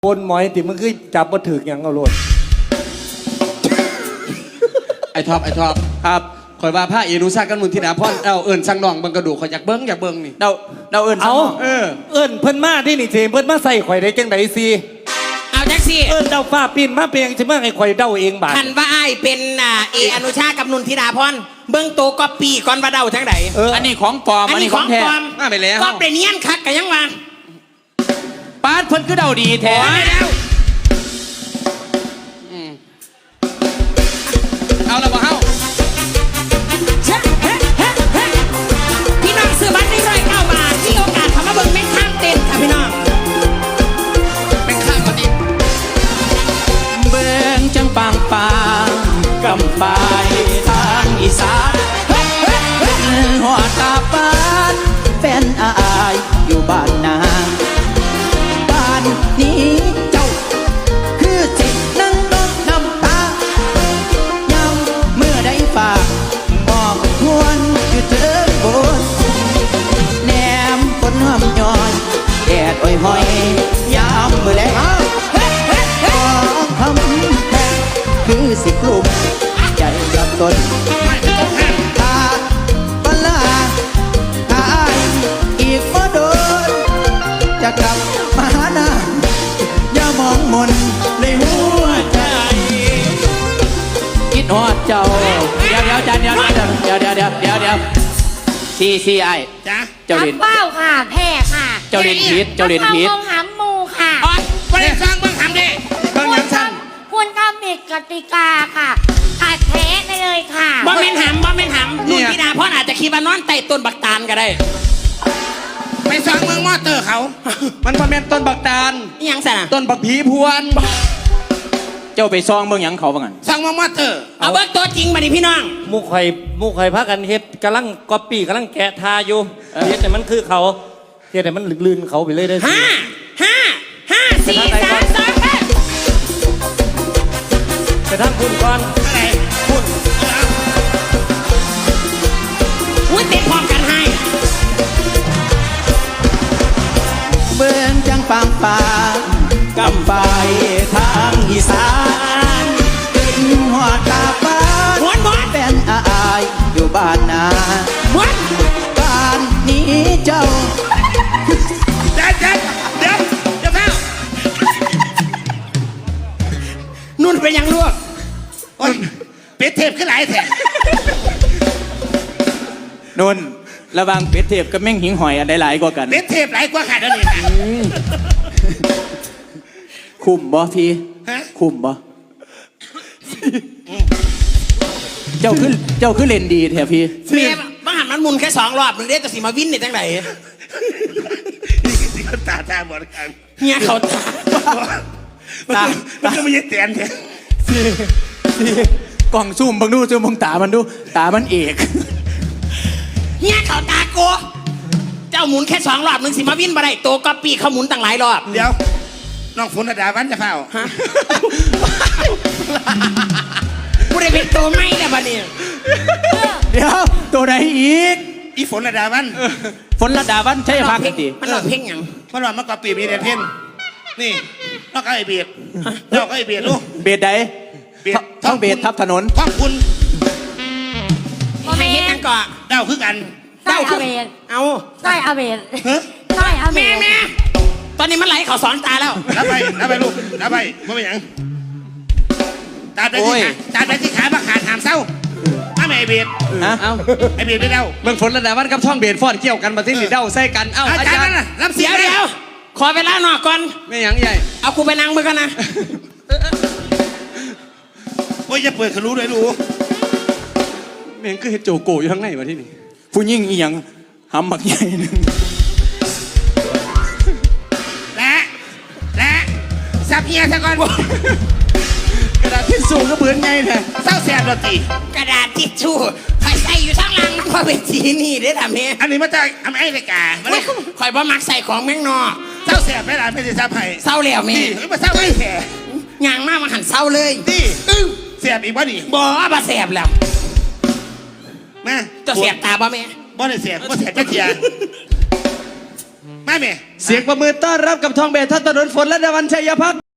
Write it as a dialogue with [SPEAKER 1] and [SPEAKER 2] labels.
[SPEAKER 1] คนหมอยติมึงคือจับมาถึกอย่างเอาโลด
[SPEAKER 2] ไอ้ท็อปครับคอยว่าผ้าเอรุซากันมุนทิดาพรเอิญสั่งน้องเบิ่งกระดูกข่อยอยากเบิ่งนี่
[SPEAKER 3] เดาเอิญ
[SPEAKER 1] เอาเอิญเพิ่นมาที่นี่สิเพิ่นมาใส่ข่อยได้จังไดสิ
[SPEAKER 4] เอาจังสิ
[SPEAKER 1] เอิญเดาฟ้าปีนมาเปียงสิมาให้ข่อยเดาเองบาด
[SPEAKER 4] คันว่าอ้ายเป็นอนุชากับนุนธิดาพรเบิ่งโตก็ปีก่อนว่าเดาจังได
[SPEAKER 3] อันนี้ของปลอมอันนี้ของแท้
[SPEAKER 4] มาไปแล้วก็เปลี่ยนเนียนคักกันยังว่า
[SPEAKER 3] ปาดเพิ่นคือเดาดีแท้
[SPEAKER 2] เอาละบ่เฮา
[SPEAKER 4] พี่น้องซื้อบัตร109 บาทที่โอกาสทำมาเบิ่งแม่ข้ามเต้นค่ะพี่น้อง
[SPEAKER 2] แม่ข้ามมาดิ
[SPEAKER 3] เบิ่งจังปางกำปายทางอีสานหัวตาปานแฟนอายอยู่บ้านนาบ้านนี้เจ้าคือสินั่งน้องน้ำตายำเมื่อได้ฝากบอกควรอยู่เถิงบนแนมฝนห้อมย้อนแดดอ้อยหอยยามเมื่อแลงของคำแพงคือสิกลุ่มใจกับตนตาบลาหายอีกบ่โดนจะกลับมาหาหน้าอย่ามองมนในหัวใจคิดฮอดเจ้าเดี๋ยวจันเดี๋ยวซีไอ
[SPEAKER 4] จ้ะ
[SPEAKER 3] เจ้าเล่น
[SPEAKER 5] เป้าค่ะแพ้ค่ะ
[SPEAKER 3] เจ้าเล่นพิษ
[SPEAKER 5] มองหำมูค่ะ
[SPEAKER 4] อ๋อไม่ได้ฟังเบิ่งทำดิ
[SPEAKER 2] เบิ่งหยังซั่น
[SPEAKER 5] คุณทำผิดกติกาค่ะขาดแพ้ได้เลยค่ะ
[SPEAKER 4] บ่แม่นหำนุนธิดาพรอาจจะคิดว่านอนใต้ต้นบักตาลก็ได้ไปฟังเมืองมอเตอร์เขา
[SPEAKER 2] มันบ่แม่นต้นบักตาล
[SPEAKER 4] อีหยังซะน่ะ
[SPEAKER 2] ต้นบักผีพวน
[SPEAKER 3] เจ้าไปซองเบิ่งหยังเขาว่างั้น
[SPEAKER 4] ฟังเมืองมอเตอร์เอาเบิ่งตัวจริงมาดิพี่น้อง
[SPEAKER 1] มุกข่อยพากันเฮ็ดกำลังก๊อปปี้กำลังแกะทาอยู่เฮ็ดแต่มันคือเขาเฮ็ดแต่มันลื่นเขาไปเลยได้สิ
[SPEAKER 4] 5 4 3 2
[SPEAKER 1] ไปทำคุณก่อน
[SPEAKER 4] อะไร
[SPEAKER 1] คุณ
[SPEAKER 4] อุ้ยเตะพร้อมกันให้
[SPEAKER 3] เบิ่งจังปางกำไปทางอีสานกินหัวตาบ้านแฟนอายอยู่บ้านนาบ้านนี้เจ้า
[SPEAKER 4] เดี๋ยวเฝ้านุ่นเป็นยังลวกเป็ดเทพขึ้นหลายแถ
[SPEAKER 3] นนระวังเป็ดเทพกับแม่งหิงหอยอันใดหลายกว่ากัน
[SPEAKER 4] เป็ดเทพหลายกว่าขาดอันนี้นะ
[SPEAKER 3] คุ้มบ่พี่คุ้มบ่เจ้าคือเล่นดีแท้พี่
[SPEAKER 4] เมียบ้านมันมุนแค่2 รอบมึงได้แต่สิมาวินนี่จังไหน
[SPEAKER 2] นี่ก็ตาหมดกัน
[SPEAKER 4] เฮียเขา
[SPEAKER 2] ตามันก็ไม่ยัดแตนแท้
[SPEAKER 3] กล่องซูมบังดูซูมบังตามันดูตามันเอก
[SPEAKER 4] เฮียเขาตาโกเจ้าหมุนแค่2 รอบมึงสิมาวินบ่ได้โตก็ปีเขาหมุนตั้งหลายรอบ
[SPEAKER 2] เดี๋ยวน้องฝนดาวันจะเฝ้า
[SPEAKER 4] ฮะกูได้เป็นตัวไม่แล้วบัดนี้
[SPEAKER 3] เดี๋ยวตัวไหนอีก
[SPEAKER 2] อีฝนดาวัน
[SPEAKER 3] ฝนระดาวันใช่ภาคกันตี
[SPEAKER 4] มันหลอกเพ่งยัง
[SPEAKER 2] มันว่ามันก็ปีบมีเดนเพ่นนี่นอกไอ้เบียดนอกไอ้เบียดลูก
[SPEAKER 3] เบียดใดท้องเบียดทับถนน
[SPEAKER 2] ขอบคุณ
[SPEAKER 4] ให้เห็นยังก่อน
[SPEAKER 2] เดาคือกัน
[SPEAKER 5] ใต้อาเบน
[SPEAKER 4] เอา
[SPEAKER 5] ใต้อาเบนใต้อาเบน
[SPEAKER 4] แม่ตอนนี้มันไหลเขาสอนตาแล้ว
[SPEAKER 2] รับไปลูกรับไปไม่เป็นหยังตาได้ที่ขาบักขาดหามเศร้าถ้าไม่ไอเบียด
[SPEAKER 3] เอา
[SPEAKER 2] ไอเบียดได้เดา
[SPEAKER 1] เมืองฝนระดับวันกับท่องเบียดฟอดเกี่ยวกันมาที่นี่เดาใส่กันเอ้า
[SPEAKER 2] อาจารย์รับเสีย
[SPEAKER 4] เดี๋ยวขอเวลาหน่อยก่อน
[SPEAKER 1] ไม่หยังใหญ่
[SPEAKER 4] เอากูไปนั่งมือกันนะ
[SPEAKER 2] โอ้ยจะเปิดเขารู้เลยรู้
[SPEAKER 1] แม่งคือเฮโจโกอยู่ข้างในวะที่นี่
[SPEAKER 3] ผู้ยิ่งอีหยังหำหมักใหญ่หนึ่ง
[SPEAKER 4] และสับเฮียซะก่อน
[SPEAKER 1] กระดาษทิชชู่ก็เบื่อไงแท้
[SPEAKER 4] เศร้าแสบดนตรีกระดาษทิชชู่ใครใส่อยู่ทั้งหลังเพราะเป็นสีนี่ได้ทำเนี่ย
[SPEAKER 2] อันนี้มาจากอเมริกา
[SPEAKER 4] คอยบ่มักใส่ของแม่งนอ
[SPEAKER 2] เศร้าแสบไม่หลานไม่ได้ซับให้
[SPEAKER 4] เศร้าแล้วแม่
[SPEAKER 2] มาเศร้าไม่แสบ
[SPEAKER 4] ยางมากมาหันเศร้าเลย
[SPEAKER 2] นี่แสบอีกบ่ดิ
[SPEAKER 4] บ่บ่แสบแล้ว
[SPEAKER 2] มา
[SPEAKER 4] จะแสบตาบ่แม่
[SPEAKER 2] บ่ได้แสบบ่แสบจะเทียมามาแม่
[SPEAKER 3] เสียงประมือต้อนรับกับทองเบสท่านถนนฝนและดาวันชัยพัก